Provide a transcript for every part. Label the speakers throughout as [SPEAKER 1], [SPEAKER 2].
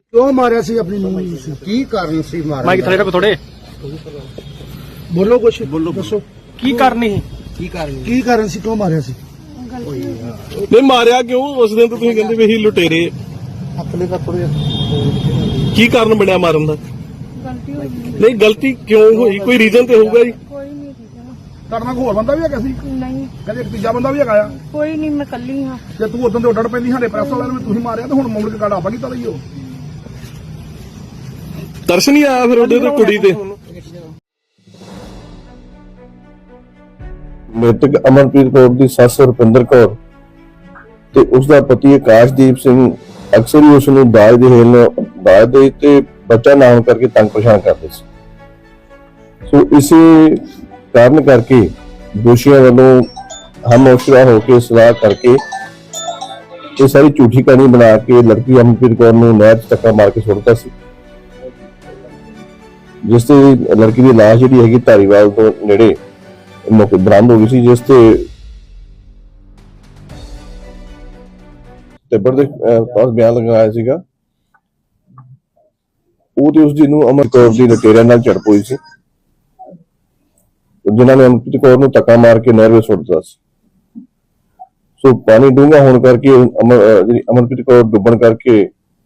[SPEAKER 1] क्यों मारिया सी अपनी नूंह ਨੂੰ ਸੀ
[SPEAKER 2] ਕੀ ਕਾਰਨ ਸੀ ਮਾਰਨ
[SPEAKER 3] ਮਾਈਕ ਥੱਲੇ ਰੱਖੋ ਥੋੜੇ।
[SPEAKER 1] ਬੋਲੋ ਕੁਛ ਬੋਲੋ ਦੱਸੋ
[SPEAKER 3] ਕੀ ਕਰਨੀ ਸੀ?
[SPEAKER 1] ਕੀ ਕਾਰਨ ਸੀ ਕਿਉਂ ਮਾਰਿਆ ਸੀ
[SPEAKER 4] ਨਹੀਂ ਮਾਰਿਆ ਕਿਉਂ? ਉਸ ਦਿਨ ਤਾਂ ਤੁਸੀਂ ਕਹਿੰਦੇ ਵੀ ਅਸੀਂ ਲੁਟੇਰੇ।
[SPEAKER 1] ਅਕਲੇ ਦਾ ਥੋੜੇ
[SPEAKER 4] ਕੀ ਕਾਰਨ ਬਣਿਆ ਮਾਰਨ ਦਾ?
[SPEAKER 5] ਗਲਤੀ ਹੋ ਗਈ।
[SPEAKER 4] ਨਹੀਂ ਗਲਤੀ ਕਿਉਂ ਹੋਈ? ਕੋਈ ਰੀਜ਼ਨ ਤੇ ਹੋਊਗਾ ਜੀ।
[SPEAKER 5] ਕੋਈ ਨਹੀਂ ਠੀਕ
[SPEAKER 1] ਤੁਹਾਡੇ ਨਾਲ ਹੋਰ ਬੰਦਾ ਵੀ ਹੈਗਾ ਸੀ
[SPEAKER 5] ਨਹੀਂ
[SPEAKER 1] ਕਹਿੰਦੇ ਇੱਕ ਤੀਜਾ ਬੰਦਾ ਵੀ ਹੈਗਾ ਆ
[SPEAKER 5] ਕੋਈ ਨਹੀਂ ਮੈਂ ਕੱਲੀ ਹਾਂ।
[SPEAKER 1] ਜੇ ਤੂੰ ਉਦੋਂ ਤੇ ਉੱਡੜ ਪੈਂਦੀ ਸਾਡੇ ਪ੍ਰੈਸ ਵਾਲਿਆਂ ਨੂੰ ਤੁਸੀਂ ਮਾਰਿਆ ਤੇ ਹੁਣ ਮੁੜ ਕੇ ਕਾੜਾ ਆਪਾਂ ਕੀਤਾ ਲਈਓ
[SPEAKER 4] ਤਰਸ ਨਹੀਂ ਆਇਆ ਫਿਰ ਉਹਦੇ ਤੇ ਕੁੜੀ ਤੇ?
[SPEAKER 6] ਮ੍ਰਿਤਕ ਅਮਨਪ੍ਰੀਤ ਕੌਰ ਦੀ ਸੱਸ ਰੁਪਿੰਦਰ ਕੌਰ ਤੇ ਉਸ ਦਾ ਪਤੀ ਆਕਾਸ਼ਦੀਪ ਸਿੰਘ ਅਕਸਰ ਹੀ ਉਸ ਨੂੰ ਦਾਜ ਦੇ ਤੇ ਬੱਚਾ ਨਾ ਹੋਣ ਕਰਕੇ ਤੰਗ ਪਰੇਸ਼ਾਨ ਕਰਦੇ ਸੀ। ਸੋ ਇਸੇ ਕਾਰਨ ਕਰਕੇ ਦੋਸ਼ੀਆਂ ਵੱਲੋਂ ਹਮਅਫਜ਼ਾ ਹੋ ਕੇ ਸਲਾਹ ਕਰਕੇ ਇਹ ਸਾਰੀ ਝੂਠੀ ਕਹਾਣੀ ਬਣਾ ਕੇ ਲੜਕੀ ਅਮਨਪ੍ਰੀਤ ਕੌਰ ਨੂੰ ਨਹਿਰ 'ਚ ਧੱਕਾ ਮਾਰ ਕੇ ਸੁੱਟ ਦਿੱਤਾ ਸੀ, ਜਿਸ ਤੇ ਲੜਕੀ ਦੀ ਲਾਸ਼ ਜਿਹੜੀ ਹੈਗੀ ਧਾਰੀਵਾਲ ਤੋਂ ਨੇੜੇ ਮੌਕੇ ਬਰਾਮਦ ਹੋ ਗਈ ਸੀ, ਜਿਸ ਤੇ ਟੱਬਰ ਦੇ ਪਾਸ ਬਿਆਨ ਲਗਾਇਆ ਸੀਗਾ। ਉਹ ਤੇ ਉਸ ਦੀ ਨੂੰ ਅਮਰ ਕੌਰ ਦੀ ਲਟੇਰਿਆਂ ਨਾਲ ਝੜਪ ਹੋਈ ਸੀ, ਜਿਨ੍ਹਾਂ ਨੇ ਅਮਨਪ੍ਰੀਤ ਕੌਰ ਨੂੰ ਧੱਕਾ ਮਾਰ ਕੇ ਨਹਿਰ ਵਿੱਚ ਸੁੱਟ ਦਿੱਤਾ ਸੀ। ਸੋ ਪਾਣੀ ਡੂੰਘਾ ਹੋਣ ਕਰਕੇ ਜਿਹੜੀ ਅਮਨਪ੍ਰੀਤ ਕੌਰ ਡੁੱਬਣ ਕਰਕੇ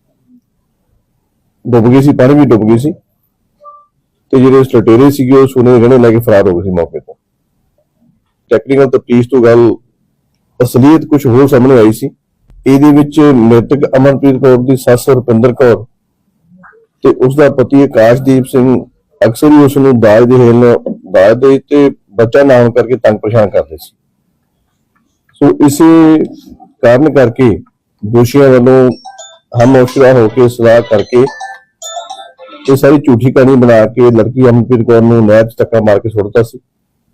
[SPEAKER 6] ਡੁੱਬ ਗਈ ਸੀ, ਪਾਣੀ ਵੀ ਡੁੱਬ ਗਈ ਸੀ ਤੇ ਜਿਹੜੇ ਲਟੇਰੇ ਸੀਗੇ ਉਹ ਸੋਨੇ ਦੇ ਗਹਿਣੇ ਲੈ ਕੇ ਫਰਾਰ ਹੋ ਗਏ ਸੀ ਮੌਕੇ ਤੋਂ। ਟੈਕਨੀਕਲ ਤਫਤੀਸ਼ ਤੋਂ ਗੱਲ ਅਸਲੀਅਤ ਕੁਝ ਹੋਰ ਸਾਹਮਣੇ ਆਈ ਸੀ। ਇਹਦੇ ਵਿੱਚ ਮ੍ਰਿਤਕ ਅਮਨਪ੍ਰੀਤ ਕੌਰ ਦੀ ਸੱਸ ਰੁਪਿੰਦਰ ਕੌਰ ਤੇ ਉਸ ਦਾ ਪਤੀ ਆਕਾਸ਼ਦੀਪ ਸਿੰਘ ਅਕਸਰ ਹੀ ਉਸ ਨੂੰ ਦਾਜ ਦੇ ਤੇ ਬੱਚਾ ਨਾ ਹੋਣ ਕਰਕੇ ਤੰਗ ਪਰੇਸ਼ਾਨ ਕਰਦੇ ਸੀ। ਸੋ ਇਸੇ ਕਾਰਨ ਕਰਕੇ ਦੋਸ਼ੀਆਂ ਵੱਲੋਂ ਹਮਅਫਜ਼ਾ ਹੋ ਕੇ ਸਲਾਹ ਕਰਕੇ ਇਹ ਸਾਰੀ ਝੂਠੀ ਕਹਾਣੀ ਬਣਾ ਕੇ ਲੜਕੀ ਅਮਨਪ੍ਰੀਤ ਕੌਰ ਨੂੰ ਨਹਿਰ 'ਚ ਧੱਕਾ ਮਾਰ ਕੇ ਸੁੱਟ ਦਿੱਤਾ ਸੀ,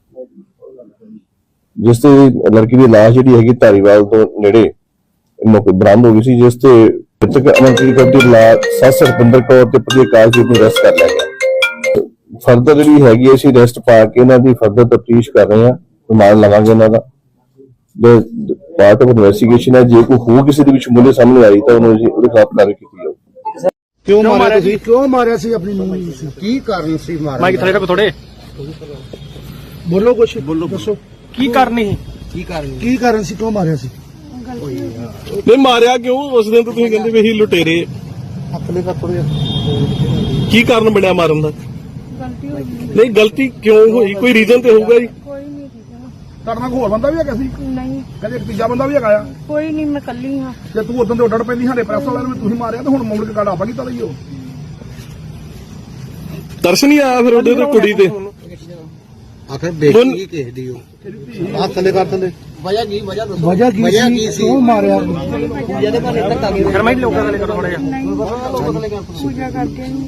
[SPEAKER 6] ਜਿਸ ਤੇ ਲੜਕੀ ਦੀ ਲਾਸ਼ ਜਿਹੜੀ ਹੈਗੀ ਧਾਰੀਵਾਲ ਤੋਂ ਨੇੜੇ ਮੌਕੇ ਬਰਾਮਦ ਹੋ ਗਈ ਸੀ, ਜਿਸ ਤੇ ਮ੍ਰਿਤਕ ਅਮਨਪ੍ਰੀਤ ਕੌਰ ਦੀ ਸੱਸ ਰੁਪਿੰਦਰ ਕੌਰ ਤੇ ਪਤੀ ਆਕਾਸ਼ਦੀਪ ਨੂੰ ਅਰੈਸਟ ਕਰ ਲਿਆ ਗਿਆ। ਫਰਦਰ ਜਿਹੜੀ ਹੈਗੀ ਅਸੀਂ ਅਰੈਸਟ ਪਾ ਕੇ ਇਹਨਾਂ ਦੀ ਫਰਦਰ ਤਫਤੀਸ਼ ਕਰ ਰਹੇ ਹਾਂ, ਰਿਮਾਂਡ ਲਵਾਂਗੇ ਇਹਨਾਂ ਦਾ। ਜੋ ਪਾਰਟ ਆਫ ਇਨਵੈਸਟੀਗੇਸ਼ਨ ਹੈ, ਜੇ ਕੋਈ ਹੋਰ ਕਿਸੇ ਦੇ ਵਿੱਚ ਮੁੱਲੇ ਸਾਹਮਣੇ ਆਈ ਤਾਂ ਉਹਦੇ ਖਿਲਾਫ ਕਾਰਵਾਈ ਕੀਤੀ ਜਾਊਗੀ।
[SPEAKER 1] ਕਿਉਂ ਮਾਰਿਆ ਸੀ ਕਿਉਂ ਮਾਰਿਆ ਸੀ ਆਪਣੀ ਨੂੰਹ ਨੂੰ ਸੀ
[SPEAKER 2] ਕੀ ਕਾਰਨ ਸੀ ਮਾਰਨ
[SPEAKER 3] ਮਾਈਕ ਥੱਲੇ ਰੱਖੋ ਥੋੜੇ।
[SPEAKER 1] ਬੋਲੋ ਕੁਛ ਬੋਲੋ ਦੱਸੋ
[SPEAKER 3] ਕੀ ਕਰਨੀ ਸੀ?
[SPEAKER 1] ਕੀ ਕਾਰਨ ਸੀ ਕਿਉਂ ਮਾਰਿਆ ਸੀ
[SPEAKER 4] ਨਹੀਂ ਮਾਰਿਆ ਕਿਉਂ? ਉਸ ਦਿਨ ਤਾਂ ਤੁਸੀਂ ਕਹਿੰਦੇ ਵੀ ਅਸੀਂ ਲੁਟੇਰੇ।
[SPEAKER 1] ਅਕਲੇ ਦਾ ਥੋੜੇ
[SPEAKER 4] ਕੀ ਕਾਰਨ ਬਣਿਆ ਮਾਰਨ ਦਾ?
[SPEAKER 5] ਗਲਤੀ ਹੋ ਗਈ।
[SPEAKER 4] ਨਹੀਂ ਗਲਤੀ ਕਿਉਂ ਹੋਈ? ਕੋਈ ਰੀਜ਼ਨ ਤੇ ਹੋਊਗਾ ਜੀ।
[SPEAKER 5] ਕੋਈ ਨਹੀਂ ਠੀਕ
[SPEAKER 1] ਤੁਹਾਡੇ ਨਾਲ ਹੋਰ ਬੰਦਾ ਵੀ ਹੈਗਾ ਸੀ
[SPEAKER 5] ਨਹੀਂ
[SPEAKER 1] ਕਹਿੰਦੇ ਇੱਕ ਤੀਜਾ ਬੰਦਾ ਵੀ ਹੈਗਾ ਆ
[SPEAKER 5] ਕੋਈ ਨਹੀਂ ਮੈਂ ਕੱਲੀ ਹਾਂ।
[SPEAKER 1] ਜੇ ਤੂੰ ਉਦੋਂ ਤੇ ਉੱਡੜ ਪੈਂਦੀ ਸਾਡੇ ਪ੍ਰੈਸ ਵਾਲਿਆਂ ਨੂੰ ਤੁਸੀਂ ਮਾਰਿਆ ਤੇ ਹੁਣ ਮੁੜ ਕੇ ਕਾੜਾ ਆਪਾਂ ਕੀਤਾ ਲਈਓ
[SPEAKER 4] ਤਰਸ ਨਹੀਂ ਆਇਆ ਫਿਰ ਉਹਦੇ ਤੇ ਕੁੜੀ ਤੇ?
[SPEAKER 2] ਆਖਰ ਬੇਟੀ ਕਿਸੇ ਦੀ
[SPEAKER 1] ਹੱਥ ਥੱਲੇ ਕਰ ਥੱਲੇ
[SPEAKER 2] ਵਜ੍ਹਾ ਕੀ
[SPEAKER 1] ਵਜ੍ਹਾ ਕੀ ਸੀ ਕਿਉਂ ਮਾਰਿਆ
[SPEAKER 3] ਫਿਰ ਮੈਂ ਲੋਕਾਂ ਥੱਲੇ ਕਰੋ ਥੋੜਾ ਜਿਹਾ।
[SPEAKER 5] ਪੂਜਾ ਕਰਕੇ